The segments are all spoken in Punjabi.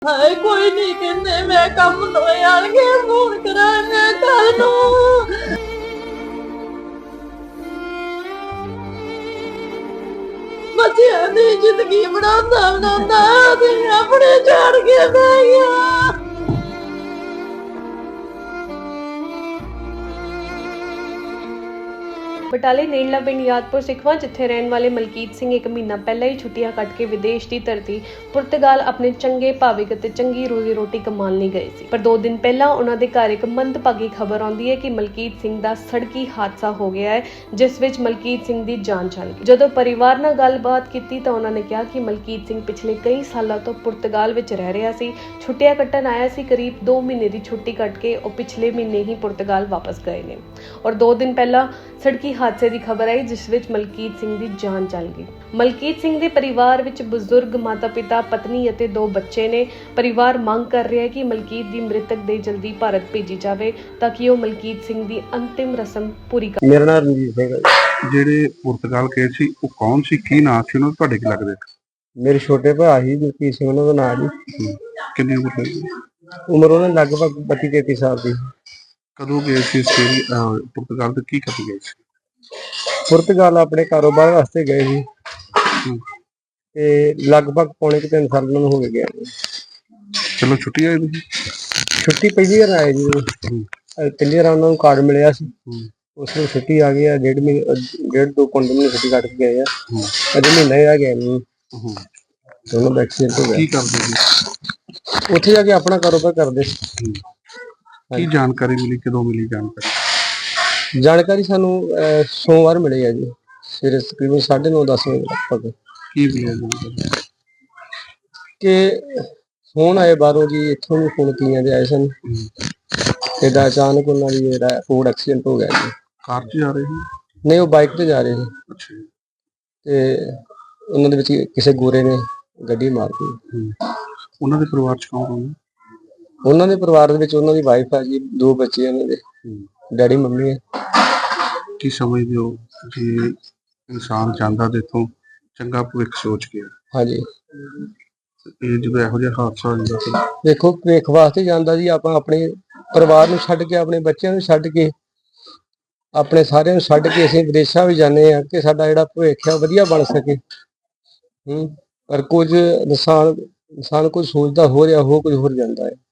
ਹਾਏ ਕੋਈ ਨਹੀਂ ਕਹਿੰਦੇ ਮੈਂ ਕੰਮ ਤੋਂ ਆਣਗੇ ਫੋਨ ਕਰਾਂਗੇ ਕੱਲ ਨੂੰ। ਬੱਚਿਆਂ ਦੀ ਜ਼ਿੰਦਗੀ ਬਣਾਉਂਦਾ ਤੇ ਆਪਣੇ ਛੱਡ ਕੇ ਬਹਿ ਗਿਆ। ਬਟਾਲੇ ਨੇੜਲਾ ਪਿੰਡ ਯਾਦਪੁਰ ਸਿੱਖਵਾਂ ਜਿੱਥੇ ਰਹਿਣ ਵਾਲੇ ਮਲਕੀਤ ਸਿੰਘ ਇੱਕ ਮਹੀਨਾ ਪਹਿਲਾਂ ਹੀ ਛੁੱਟੀਆਂ ਕੱਟ ਕੇ ਵਿਦੇਸ਼ ਦੀ ਧਰਤੀ ਪੁਰਤਗਾਲ ਆਪਣੇ ਚੰਗੇ ਭਾਵਿਕ ਅਤੇ ਚੰਗੀ ਰੋਜ਼ੀ ਰੋਟੀ ਕਮਾਉਣ ਲਈ ਗਏ ਸੀ। ਪਰ 2 ਦਿਨ ਪਹਿਲਾਂ ਉਹਨਾਂ ਦੇ ਘਰ ਇੱਕ ਮੰਦਭਾਗੀ ਖਬਰ ਆਉਂਦੀ ਹੈ ਕਿ ਮਲਕੀਤ ਸਿੰਘ ਦਾ ਸੜਕੀ ਹਾਦਸਾ ਹੋ ਗਿਆ ਹੈ, ਜਿਸ ਵਿੱਚ ਮਲਕੀਤ ਸਿੰਘ ਦੀ ਜਾਨ ਚਲੀ ਗਈ। ਜਦੋਂ ਪਰਿਵਾਰ ਨਾਲ ਗੱਲਬਾਤ ਕੀਤੀ ਤਾਂ ਉਹਨਾਂ ਨੇ ਕਿਹਾ ਕਿ ਮਲਕੀਤ ਸਿੰਘ ਪਿਛਲੇ ਕਈ ਸਾਲਾਂ ਤੋਂ ਪੁਰਤਗਾਲ ਵਿੱਚ ਰਹਿ ਰਿਹਾ ਸੀ, ਛੁੱਟੀਆਂ ਕੱਟਣ ਆਇਆ ਸੀ। ਕਰੀਬ 2 ਮਹੀਨੇ ਦੀ ਛੁੱਟੀ ਕੱਟ ਕੇ ਉਹ ਪਿਛਲੇ ਮਹੀਨੇ ਹੀ ਪੁਰਤਗਾਲ ਵਾਪਸ ਗਏ ਨੇ ਔਰ 2 ਦਿਨ ਪਹਿਲਾਂ ਸੜਕੀ ਹਾਦਸੇ ਦੀ ਖਬਰ ਆਈ ਜਿਸ ਵਿੱਚ ਮਲਕੀਤ ਸਿੰਘ ਦੀ ਜਾਨ ਚਲ ਗਈ। ਮਲਕੀਤ ਸਿੰਘ ਦੇ ਪਰਿਵਾਰ ਵਿੱਚ ਬਜ਼ੁਰਗ ਮਾਤਾ-ਪਿਤਾ, ਪਤਨੀ ਅਤੇ 2 ਬੱਚੇ ਨੇ। ਪਰਿਵਾਰ ਮੰਗ ਕਰ ਰਿਹਾ ਹੈ ਕਿ ਮਲਕੀਤ ਦੀ ਮ੍ਰਿਤਕ ਦੇਹ ਜਲਦੀ ਭਾਰਤ ਭੇਜੀ ਜਾਵੇ ਤਾਂ ਕਿ ਉਹ ਮਲਕੀਤ ਸਿੰਘ ਦੀ ਅੰਤਿਮ ਰਸਮ ਪੂਰੀ ਕਰ। ਮੇਰਾ ਨਾਮ ਰਣਜੀਤ ਸਿੰਘ ਹੈ। ਜਿਹੜੇ ਪੁਰਤਗਾਲ ਗਏ ਸੀ ਉਹ ਕੌਣ ਸੀ, ਕੀ ਨਾਂ ਸੀ ਉਹਨਾਂ, ਤੁਹਾਡੇ ਕੀ ਲੱਗਦੇ? ਮੇਰੇ ਛੋਟੇ ਭਰਾ ਸੀ ਮਲਕੀਤ ਸਿੰਘ, ਉਹਨਾਂ ਦਾ ਨਾਂ ਜੀ। ਕਿੰਨੀ ਉਮਰ ਸੀ? ਉਮਰ ਉਹਨਾਂ ਦੀ ਲਗਭਗ 32-33 ਸਾਲ ਦੀ। ਕਦੋਂ ਗਏ ਸੀ ਪੁਰਤਗਾਲ ਤੇ ਕੀ ਕਰਨ ਗਏ ਸੀ? ਪੁਰਤਗਾਲ ਆਪਣੇ ਕਾਰੋਬਾਰ ਵਾਸਤੇ ਗਏ ਸੀ ਤੇ ਲਗਭਗ ਪੌਣੇ 3 ਸਾਲ ਉਹਨਾਂ ਨੂੰ ਹੋ ਗਏ ਨੇ। ਚਲੋ ਛੁੱਟੀ ਆਏ ਤੁਸੀਂ? ਛੁੱਟੀ ਪਹਿਲੀ ਵਾਰ ਆਏ ਜੀ। ਪਹਿਲੀ ਵਾਰ ਉਹਨਾਂ ਨੂੰ ਕਾਰਡ ਮਿਲਿਆ ਸੀ, ਉਸ ਨੂੰ ਛੁੱਟੀ ਆ ਗਈ ਆ। 1.5 ਮਹੀਨੇ 1.5-2 ਮਹੀਨੇ ਛੁੱਟੀ ਕੱਟ ਕੇ ਗਏ ਆ। ਅਜੇ ਮਹੀਨਾ ਹੀ ਆ ਗਿਆ ਨਹੀਂ। ਦੋਨੋਂ ਦਾ ਐਕਸੀਡੈਂਟ ਹੋ ਗਿਆ। ਕੀ ਕਰਦੇ ਸੀ ਉੱਥੇ ਜਾ ਕੇ? ਆਪਣਾ ਕਾਰੋਬਾਰ ਕਰਦੇ। ਕੀ ਜਾਣਕਾਰੀ ਮਿਲੀ, ਕਦੋਂ ਮਿਲੀ ਜਾਣਕਾਰੀ? ਜਾਣਕਾਰੀ ਸਾਨੂੰ ਸੋਮਵਾਰ ਮਿਲੀ ਹੈ ਜੀ, ਸਵੇਰੇ ਤਕਰੀਬਨ 9:30-10 ਵਜੇ ਲਗਭਗ। ਕੀ ਮਿਲਿਆ ਜਾਣਕਾਰੀ? ਕਿ ਫੋਨ ਆਏ ਬਾਹਰੋਂ ਜੀ, ਇੱਥੋਂ ਵੀ ਫੋਨ ਕੀਆਂ ਦੇ ਆਏ ਸਨ। ਇਹਦਾ ਅਚਾਨਕ ਉਹਨਾਂ ਦੀ ਜਿਹੜਾ ਰੋਡ ਐਕਸੀਡੈਂਟ ਹੋ ਗਿਆ ਜੀ। ਕਾਰ 'ਚ ਜਾ ਰਹੇ ਸੀ? ਨਹੀਂ, ਉਹ ਬਾਈਕ ਤੇ ਜਾ ਰਹੇ ਸੀ ਅੱਛਾ। ਤੇ ਉਹਨਾਂ ਦੇ ਵਿੱਚ ਕਿਸੇ ਗੋਰੇ ਨੇ ਗੱਡੀ ਮਾਰਤੀ। ਉਹਨਾਂ ਦੇ ਪਰਿਵਾਰ 'ਚ ਕੌਣ ਕੌਣ? ਉਹਨਾਂ ਦੇ ਪਰਿਵਾਰ ਦੇ ਵਿੱਚ ਉਹਨਾਂ ਦੀ ਵਾਈਫ ਆ ਜੀ, 2 ਬੱਚੇ ਉਹਨਾਂ ਦੇ, ਡੈਡੀ ਮੰਮੀ ਹੈ। ਕੀ ਸਮਝਦੇ ਹੋ ਜੇ ਇਨਸਾਨ ਜਾਂਦਾ ਤੇ ਇੱਥੋਂ ਚੰਗਾ ਭਵਿੱਖ ਸੋਚ ਕੇ, ਹਾਂਜੀ, ਇਹ ਜਦੋਂ ਇਹੋ ਜਿਹਾ ਹਾਦਸਾ ਹੋ ਜਾਂਦਾ ਫਿਰ? ਦੇਖੋ, ਭਵਿੱਖ ਵਾਸਤੇ ਜਾਂਦਾ ਜੀ। ਆਪਾਂ ਆਪਣੇ ਪਰਿਵਾਰ ਨੂੰ ਛੱਡ ਕੇ, ਆਪਣੇ ਬੱਚਿਆਂ ਨੂੰ ਛੱਡ ਕੇ, ਆਪਣੇ ਸਾਰਿਆਂ ਨੂੰ ਛੱਡ ਕੇ ਅਸੀਂ ਵਿਦੇਸ਼ਾਂ ਵੀ ਜਾਂਦੇ ਆ ਕਿ ਸਾਡਾ ਜਿਹੜਾ ਭਵਿੱਖ ਹੈ ਵਧੀਆ ਬਣ ਸਕੇ। ਪਰ ਕੁਝ ਇਨਸਾਨ ਕੁਝ ਸੋਚਦਾ ਹੋ ਰਿਹਾ, ਹੋ ਕੁਝ ਹੋਰ ਜਾਂਦਾ ਹੈ।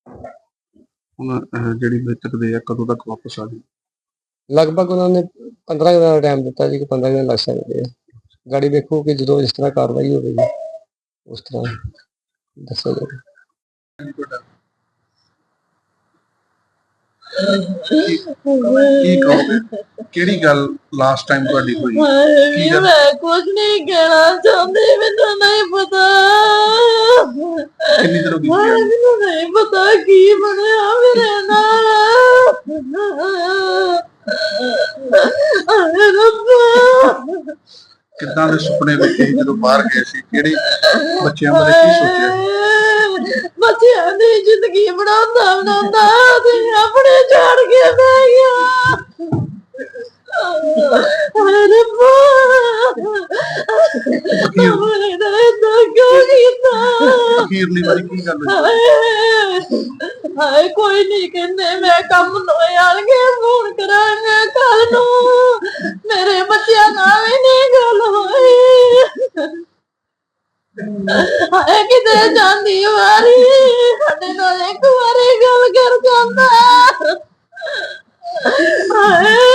ਹੁਣ ਜਿਹੜੀ ਮ੍ਰਿਤਕ ਦੇ ਆ ਕਦੋਂ ਤੱਕ ਵਾਪਸ ਆ ਜਾਊ? ਲਗਭਗ ਉਹਨਾਂ ਨੇ 15 ਦਿਨਾਂ ਦਾ ਟਾਈਮ ਦਿੱਤਾ ਜੀ ਕਿ 15 ਦਿਨ ਲੱਗ ਸਕਦੇ ਆ। ਗਾੜੀ ਵੇਖੋ ਕਿ ਜਦੋਂ ਇਸ ਤਰ੍ਹਾਂ ਕਾਰਵਾਈ ਹੋਵੇਗੀ ਉਸ ਤਰ੍ਹਾਂ ਦੱਸਿਆ ਜਾਵੇ। ਕੀ ਕਹੋਗੇ? ਕਿਹੜੀ ਗੱਲ ਲਾਸਟ ਟਾਈਮ ਤੁਹਾਡੀ ਹੋਈ? ਕੀ ਗੱਲ? ਮੈਂ ਕੁਝ ਨਹੀਂ ਕਹਿਣਾ ਚਾਹੁੰਦੀ, ਮੈਨੂੰ ਨਹੀਂ ਪਤਾ। ਕਿੰਨੀ ਦੇਰ ਹੋ ਗਈ? ਮੈਨੂੰ ਨਹੀਂ ਪਤਾ ਕੀ ਬਣਿਆ ਮੇਰੇ ਨਾਲ। ਹਾਏ ਰੱਬਾ, ਕਿੱਦਾਂ ਦੇ ਸੁਪਨੇ ਵੇਖੇ ਜਦੋਂ ਬਾਹਰ ਗਏ ਸੀ? ਕਿਹੜੇ ਬੱਚਿਆਂ ਬਾਰੇ ਕੀ ਸੋਚਿਆ? ਬੱਚਿਆਂ ਦੀ ਜ਼ਿੰਦਗੀ ਬਣਾਉਂਦਾ ਤੇ ਆਪਣੇ ਛੱਡ ਕੇ ਬਹਿ ਗਿਆ। ਹਾਏ ਰੱਬਾ, ਅਖੀਰਲੀ ਵਾਰੀ ਕੀ ਗੱਲ ਹੋਈ? ਹਾਏ ਕੋਈ ਨਹੀਂ ਕਹਿੰਦੇ ਮੈਂ ਕੰਮ ਤੋਂ ਆਣਗੇ ਫੋਨ ਕਰਾਂਗੇ ਕੱਲ ਨੂੰ। ਮੇਰੇ ਬੱਚਿਆਂ ਨਾਲ ਵੀ ਨਹੀਂ ਗੱਲ ਹੋਈ। ਹਾਏ ਕਿਤੇ ਜਾਂਦੀ ਵਾਰੀ ਸਾਡੇ ਨਾਲ ਇੱਕ ਵਾਰੀ ਗੱਲ ਕਰ ਜਾਂਦਾ। ਹਾਏ